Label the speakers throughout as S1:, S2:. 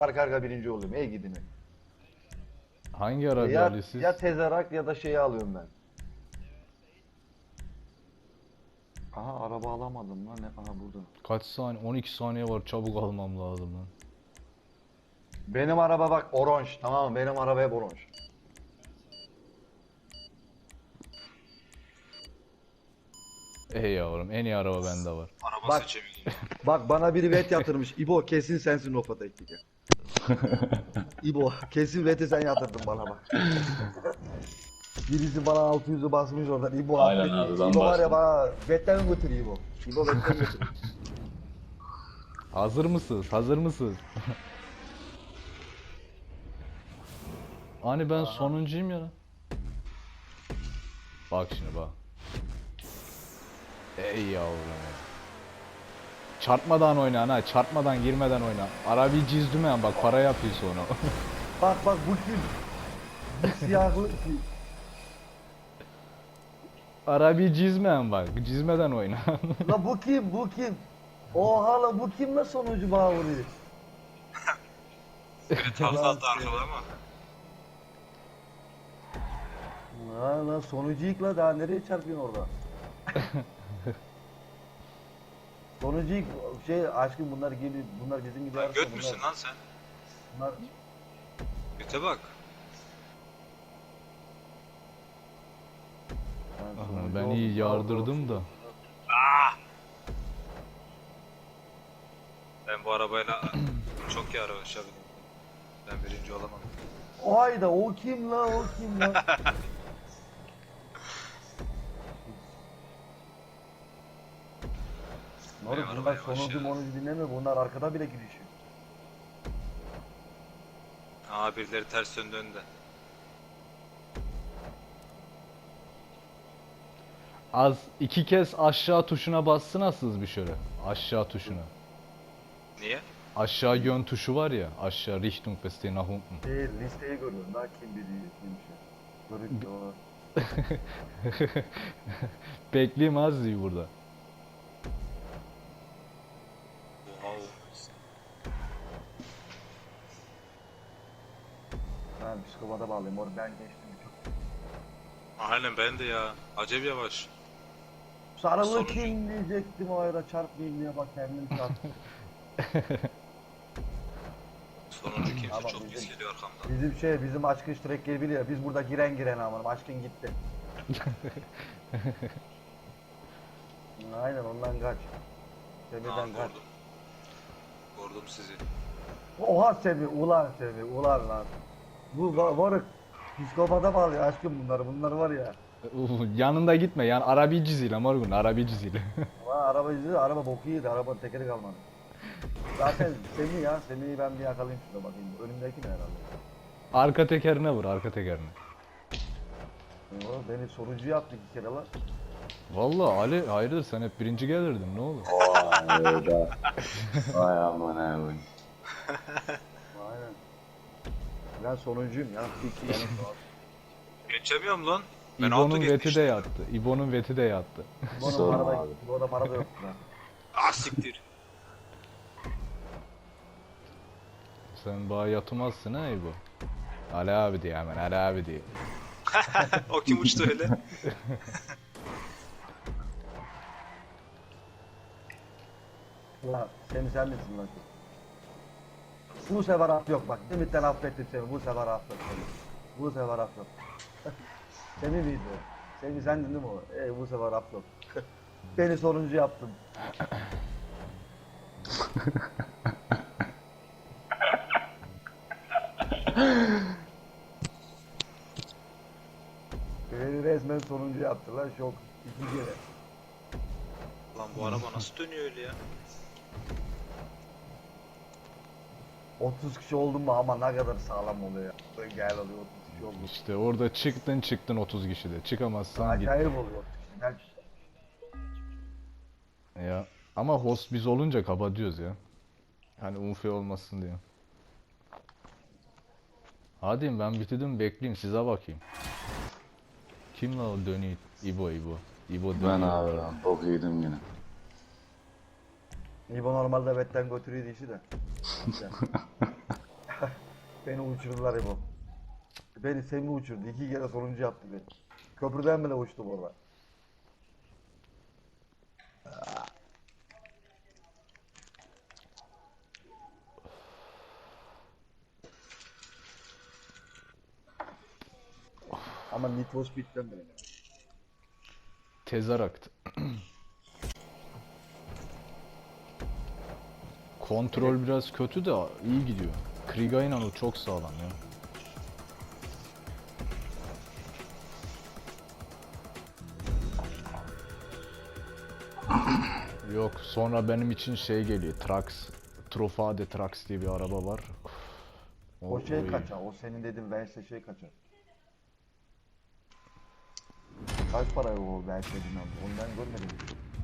S1: arka arka birinci oluyorum. Ey gidin.
S2: Hangi araba
S1: Ya,
S2: alıyorsunuz?
S1: ya tezarak ya da şeyi alıyorum ben. Aha araba alamadım lan. Aha burada.
S2: Kaç saniye? 12 saniye var. Çabuk almam lazım lan.
S1: Benim araba bak oranj. Tamam mı? Benim araba hep oranj.
S2: Ey yavrum, en iyi araba bende var.
S3: Araba
S1: Bak.
S3: seçemiyordum.
S1: Bak bana biri bet yatırmış. İbo kesin sensin o fotoğraftaki. İbo kesin veti sen yatırdın bana bak. Birisi bana 600'ü basmış oradan. İbo
S4: Aynen
S1: affet.
S4: abi, ben
S1: İbo var ya
S4: bastım.
S1: bana betten götürüyor İbo. İbo betten götürüyor.
S2: Hazır mısınız? Hazır mısınız? Hani ben sonuncuyum ya. Bak şimdi bak. Ey yavrum ya. Çarpmadan oyna ha, çarpmadan girmeden oyna. Arabayı cizdümen bak, para yapıyor sonra.
S1: Bak bak bu kim? Bu siyahlı kim?
S2: Arabayı cizmeyen bak, cizmeden oyna.
S1: La bu kim? Bu kim? Oha la bu kim la sonucu bana vuruyor?
S3: Biri takla attı arkada ama.
S1: La sonucu yık la daha nereye çarpıyorsun orada? Sonucu yık şey aşkım bunlar gibi bunlar bizim gibi
S3: Lan
S1: arasa
S3: göt müsün lan sen?
S1: bunlar
S3: Göte bak.
S1: Ben
S2: Aha,
S1: sonucu
S2: ben
S1: oldum,
S2: iyi
S1: bravo.
S2: yardırdım da.
S3: Ben bu arabayla çok iyi araba yaşadım. Ben birinci olamadım.
S1: O hayda o kim la o kim la? Moruk
S3: Benim
S1: bunlar
S3: araba yavaş
S1: sonucu
S3: ya.
S1: monucu dinlemiyor bunlar arkada bile girişiyor.
S3: Aa birileri ters döndü önde.
S2: Az iki kez aşağı tuşuna bassınasınız bir şöyle. Aşağı tuşuna.
S3: Niye?
S2: Aşağı yön tuşu var ya. Aşağı Richtung beste nach unten.
S1: Şey listeyi görüyorum daha kim biri kimmiş ya. Görüntü o.
S2: Bekleyeyim az diyor burada.
S3: Wow.
S1: Ben psikopata bağlıyım orada ben geçtim çok.
S3: Aynen ben de ya. Acayip yavaş.
S1: Sarılı
S3: Sonucu-
S1: kim diyecektim o ara çarpmayayım diye bak kendim çarptım.
S3: Sonuncu kimse
S1: Ama
S3: çok
S1: bizim-
S3: pis geliyor arkamdan.
S1: Bizim aşkın Shrek gel biliyor biz burada giren giren aman aşkın gitti. Aynen ondan kaç.
S3: Aa
S1: Semih'den kaç.
S3: vurdum. Vurdum sizi.
S1: Oha Semih ulan Semih ulan lan. Bu varık psikopata bağlıyor aşkım bunlar var ya.
S2: Yanında gitme yani arabi ciziyle morgun arabi ciziyle.
S1: Ulan araba yüzü araba boku yedi arabanın tekeri kalmadı. Zaten Semih ya Semih'i ben bir yakalayayım şurada bakayım önümdeki ne herhalde.
S2: Arka tekerine vur arka tekerine.
S1: Oğlum beni sonucu yaptı iki kere lan.
S2: Vallahi Ali hayırdır sen hep birinci gelirdin ne olur.
S4: Vay be. Vay aman abi.
S1: Aynen. Ben sonuncuyum ya. İki yani.
S3: Geçemiyorum lan. Ben
S2: İbo'nun
S3: altı
S2: veti de
S3: geçmiştim.
S2: yattı. İbo'nun veti de yattı.
S1: Bana
S4: Sorma
S1: para da,
S4: abi.
S1: bana para da yok lan.
S3: Ah siktir.
S2: Sen bana yatmazsın ha İbo. Ali abi diye hemen Ali abi diye.
S3: O kim uçtu öyle?
S1: Ulan sen misin lan? Bu sefer af yok bak. Demit'ten affettim seni. Bu sefer affet seni. Bu sefer af yok. Seni miydi o? Seni sendin değil mi o? Bu sefer af yok. Beni sonuncu yaptın. Beni resmen sonuncu yaptı lan şok. İki kere.
S3: Lan bu araba nasıl dönüyor öyle ya?
S1: 30 kişi oldum mu ama ne kadar sağlam oluyor ya. Böyle gel oluyor 30 kişi oldum.
S2: İşte orada çıktın 30 kişide. Çıkamazsan git.
S1: Acayip oluyor 30 kişi. Gel.
S2: Ya. Ama host biz olunca kapatıyoruz ya. Hani unfe olmasın diye. Hadi ben bitirdim bekleyeyim size bakayım. Kim la o dönüyor? İbo. İbo dönüyor.
S4: Ben abi lan. Bok yedim yine.
S1: İbo normalde betten götürüyordu işi de. Beni uçurdular İbo. Beni Semih uçurdu. 2 kere sonuncu yaptı beni. Köprüden bile uçtum orada. Ama Need for Speed'den böyle.
S2: Tezarakt. Kontrol biraz kötü de iyi gidiyor. Kriga inanı çok sağlam ya. Yok, sonra benim için şey geliyor. Trax, Trofade Trax diye bir araba var.
S1: O şey
S2: iyi.
S1: kaçar. O senin dediğin Vance şey kaçar. Kaç para o Vance dediğin abi? Onu ben görmedim.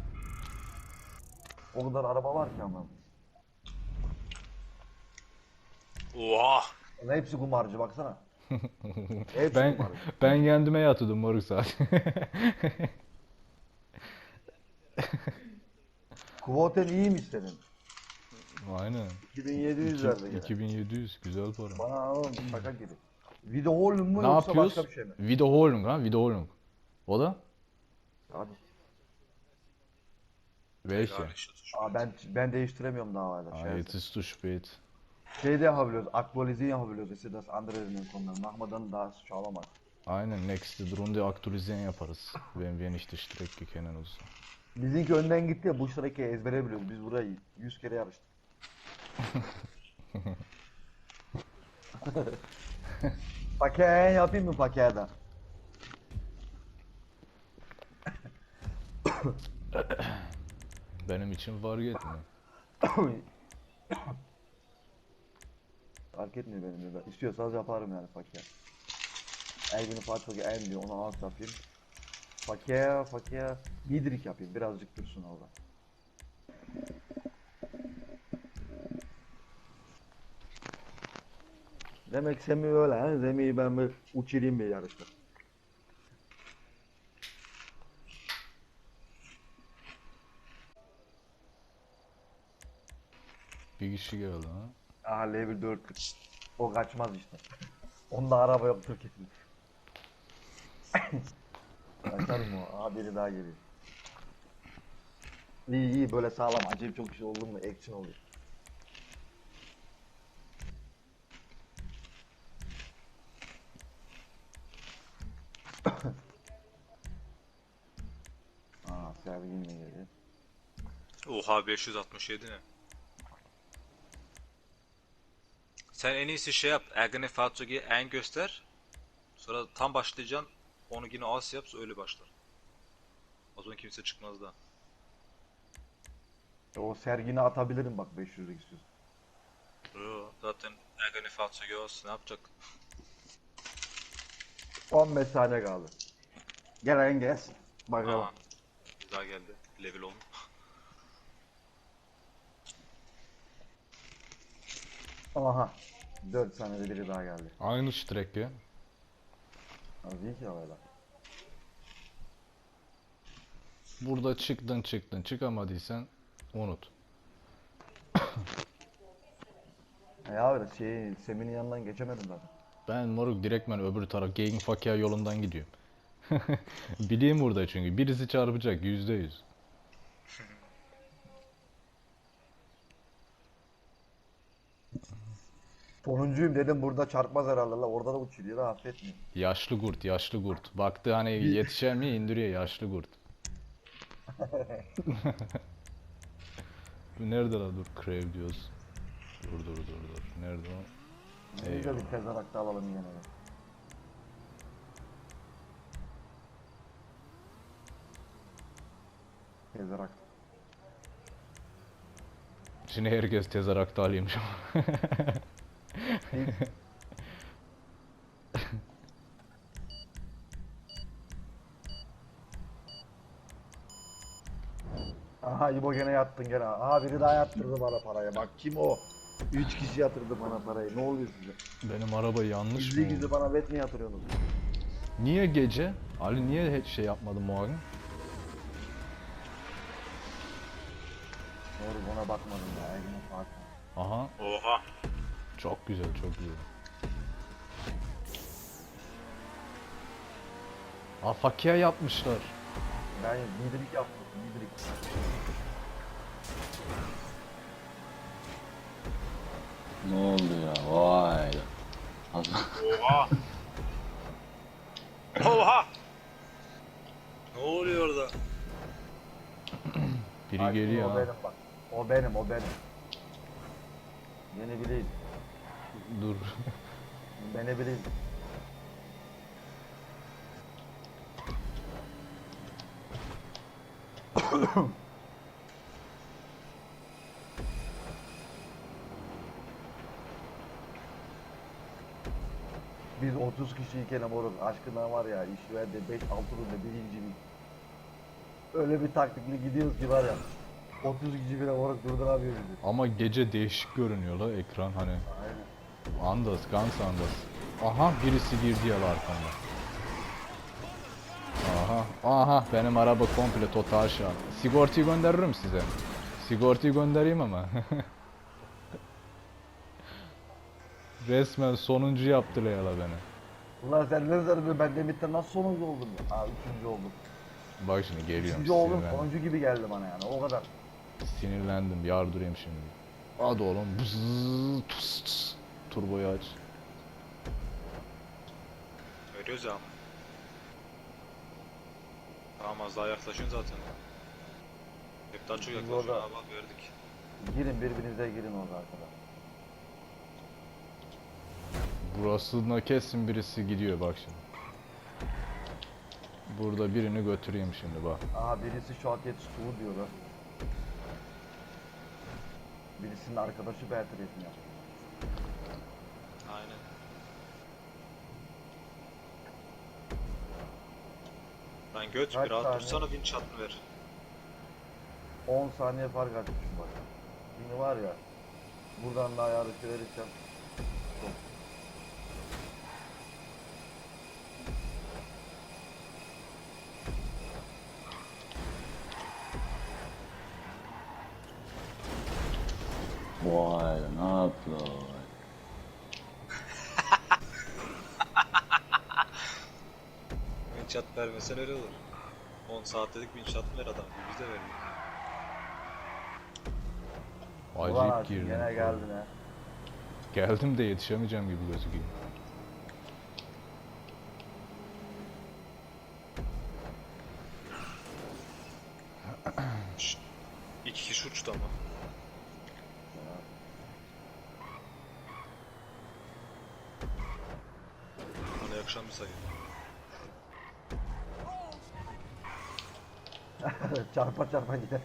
S1: O kadar araba var ki ama.
S3: Oha!
S1: Onun hepsi kumarcı baksana. Hepsi
S2: Ben
S1: kumarcı.
S2: ben kendime yatırdım moruk zaten.
S1: Kvoten iyiymiş senin.
S2: Aynen.
S1: 2700 verdi gene.
S2: 2700 güzel para.
S1: Bana oğlum şaka gibi. Videoholm mu
S2: Ne
S1: yoksa
S2: yapıyoruz?
S1: başka bir şey mi?
S2: Videoholm ha, Videoholm. O da?
S1: Hadi.
S2: Welche?
S1: Aa, ben değiştiremiyorum daha hala.
S2: Ah,
S1: Şey,
S2: jetzt ist zu spät.
S1: şey de yapabiliyoruz. Aktualisieren yapabiliyoruz. İşte das andere in den konuları. Mahmadan daha sağlamaz.
S2: Aynen, next Runde aktualisieren yaparız. Wenn wir nicht die Strecke kennen o zaman.
S1: Bizimki önden gitti ya bu şarkıyı ezbere biliyoruz. Biz burayı 100 kere yarıştık. Pakeğe yapayım mı pakeğe?
S2: Benim için fark etmiyor.
S1: Fark etmiyor benim de. İstiyorsanız yaparım yani pakeğe. Elbini Fatih'e en diyor onu alt yapayım. Pakeğe midrik yapayım birazcık dursun orada. Demek Semih öyle ha. Semih'i ben bir uçurayım bir yarışta.
S2: Bir kişi geldi ha.
S1: Aha level 4. O kaçmaz işte. Onda araba yoktur kesin. Kaçar mı o? Aha biri daha geliyor. İyi iyi böyle sağlam. Acayip çok şey oldu mu action oluyor. Aa Sergin de geliyor.
S3: Oha 567 ne? Sen en iyisi şey yap. Ergene Fahrzeuge en göster. Sonra tam başlayacaksın. Onu yine az yap öyle başlar. O zaman kimse çıkmaz da.
S1: O Sergin'i atabilirim bak 500'lük istiyorsun.
S3: Yo, zaten Ergene Fahrzeuge olsun ne yapacak?
S1: 15 saniye kaldı. Gelen gelsin. Bakalım.
S3: Aa, bir daha geldi. Level 10.
S1: Aha. 4 saniyede biri daha geldi.
S2: Aynı Strecke.
S1: Az değil ki öyle.
S2: Burada çıktın çıkamadıysan unut.
S1: Ya öyle Semih'in yanından geçemedim zaten.
S2: Ben moruk direktmen öbür taraf Gegenverkehr yolundan gidiyorum. Bileyim burada çünkü birisi çarpacak %100.
S1: Sonuncuyum dedim burada çarpmaz herhalde la orada da uçuruyor da affetmiyor.
S2: Yaşlı kurt. Baktı hani yetişer mi indiriyor yaşlı kurt. Bu nerede la dur Crave diyoruz. Dur. Nerede o?
S1: Biz de bir tezarakta alalım yine de. Tezarak.
S2: Şimdi herkes tezarakta alayım şu an.
S1: Aha İbo gene yattın gene. Aha biri daha yattırdı bana parayı. Bak kim o? 3 kişi yatırdı bana parayı. Ne oluyor size?
S2: Benim araba yanlış mı
S1: Gizli gizli
S2: oldu?
S1: bana bet mi yatırıyorsunuz?
S2: Niye gece? Ali niye hiç şey yapmadın muavin?
S1: Doğru ona bakmadım ya. Elime farkı.
S2: Aha
S3: Oha.
S2: çok güzel. Afakia yapmışlar.
S1: Ben liderlik yaptım. Liderlik.
S4: Ne oldu ya? Vay.
S3: Oha! Oha! Ne oluyor orada?
S2: Biri
S1: Ay,
S2: geliyor
S1: o
S2: ha.
S1: benim bak. O benim, o benim. Beni bileyim.
S2: Dur.
S1: Beni bileyim. Biz 30 kişiyken moruk aşkına var ya iş verdi 5-6 runde birinciydik. Öyle bir taktikle gidiyoruz ki var ya 30 kişi bile moruk durduramıyor bizi.
S2: Ama gece değişik görünüyor la ekran hani.
S1: Aynen.
S2: Andas, Guns Andas. Aha birisi girdi ya arkamda. Aha benim araba komple total şu an. Sigortayı gönderirim size. Sigortayı göndereyim ama. Resmen sonuncu yaptılar ya la beni.
S1: Ulan sen ne zannediyorsun ben Demit'te nasıl sonuncu oldum ya? Aa üçüncü oldum.
S2: Bak şimdi geliyorum,
S1: Üçüncü oldum
S2: sinirlendim.
S1: sonuncu gibi geldi bana yani o kadar.
S2: Sinirlendim, yardırayım şimdi. Hadi oğlum. Bzzz, tıs, tıs. Turboyu aç.
S3: Veriyoruz ya. Tamam az daha yaklaşın zaten. Hep daha çok
S1: Biz
S3: yaklaşın
S1: orada-
S3: abi bak verdik.
S1: Girin birbirinize girin orada arkadaşlar.
S2: Burasına kesin birisi gidiyor bak şimdi. Burada birini götüreyim şimdi bak.
S1: Aha birisi şu aket Stu diyor da. Birisinin arkadaşı Bertrand ya.
S3: Aynen. Lan göt
S1: Kaç
S3: bir rahat
S1: saniye?
S3: dursana bin çatını ver.
S1: 10 saniye fark atmışım bak. Şimdi var ya. Buradan da ayarı verirsem. Çok.
S4: Vay ne yapıyor?
S3: Bin çat vermesen öyle olur. 10 saat dedik bin çat ver adam. Biz de verdik.
S1: Ulan
S2: Acayip
S1: Aşkım,
S2: girdim.
S1: gene geldin ha.
S2: Geldim de yetişemeyeceğim gibi gözüküyor.
S3: Şşt. 2 kişi uçtu ama. Bana yakışan bir sayı.
S1: Çarpa çarpa gider.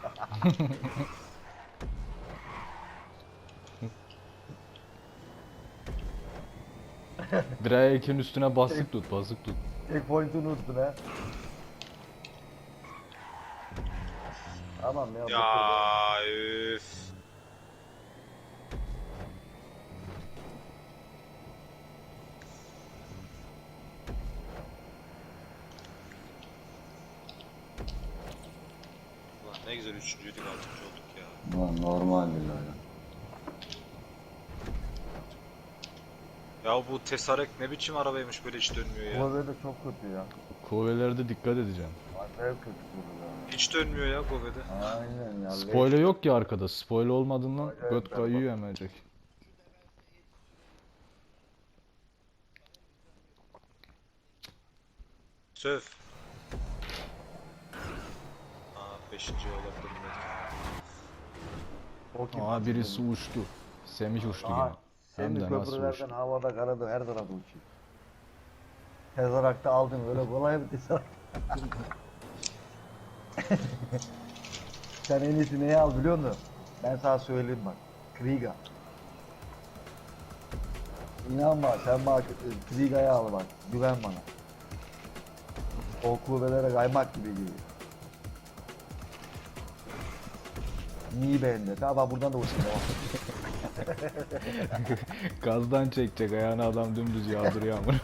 S2: Drake'in üstüne basık tut, basık tut.
S1: Checkpoint'unu unuttun ha. Tamam ya.
S3: Ya üf. Ulan ne güzel üçüncüydük altıncı olduk ya.
S4: Ulan normal değil öyle.
S3: Ya bu Tesarek ne biçim arabaymış böyle hiç dönmüyor ya.
S1: Bu böyle çok kötü ya.
S2: Kuvvelerde dikkat edeceğim.
S1: Acayip kötü bu ya.
S3: Hiç dönmüyor ya Gobe'de.
S1: Aynen ya.
S2: Spoiler yok ki arkada. Spoiler olmadığından
S1: Acayip
S2: göt
S1: berbat.
S2: kayıyor hemencek.
S3: Söv. Aa 5. olabilir belki.
S1: O kim?
S2: Aa birisi uçtu. Semih uçtu
S1: Aha,
S2: yine. Hem
S1: Hem
S2: de nasıl
S1: köprülerden
S2: uçtu.
S1: havada karada her tarafta uçuyor. Tezarakta aldın öyle kolay mı tezarak? Sen en iyisi neyi al biliyor musun? Ben sana söyleyeyim bak. Kriga. İnanma sen bak Kriga'yı al bak. Güven bana. O kuvvelere kaymak gibi geliyor. Niye bende? Tamam buradan da uçuyor.
S2: Gazdan çekecek ayağını adam dümdüz yağdırıyor ama.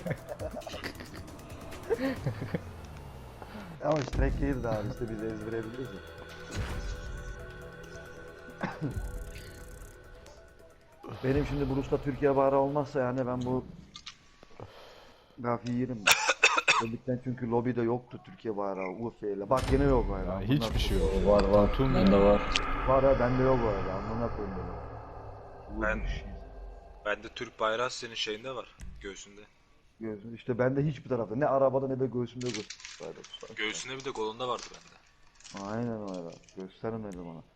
S1: Ama işte track değil daha işte biz ezberebiliriz ya. Benim şimdi Brus'ta Türkiye bağrı olmazsa yani ben bu gafiyi yerim. Özellikle çünkü lobide yoktu Türkiye bayrağı UF'yle. Bak yine yok bayrağı.
S2: Ya
S1: Amına
S2: hiçbir şey yok.
S1: koyayım.
S4: Var var.
S2: Tüm
S4: Bende var.
S1: Var ha bende yok bayrağı. Amına koyayım böyle.
S3: Ben-
S1: Bu bir şey.
S3: Bende Türk bayrağı senin şeyinde var. Göğsünde.
S1: Göğsüm işte bende hiçbir tarafta ne arabada ne de göğsümde bayrağı.
S3: Göğsünde bir de kolunda vardı bende.
S1: Aynen öyle. Göstermedim ona.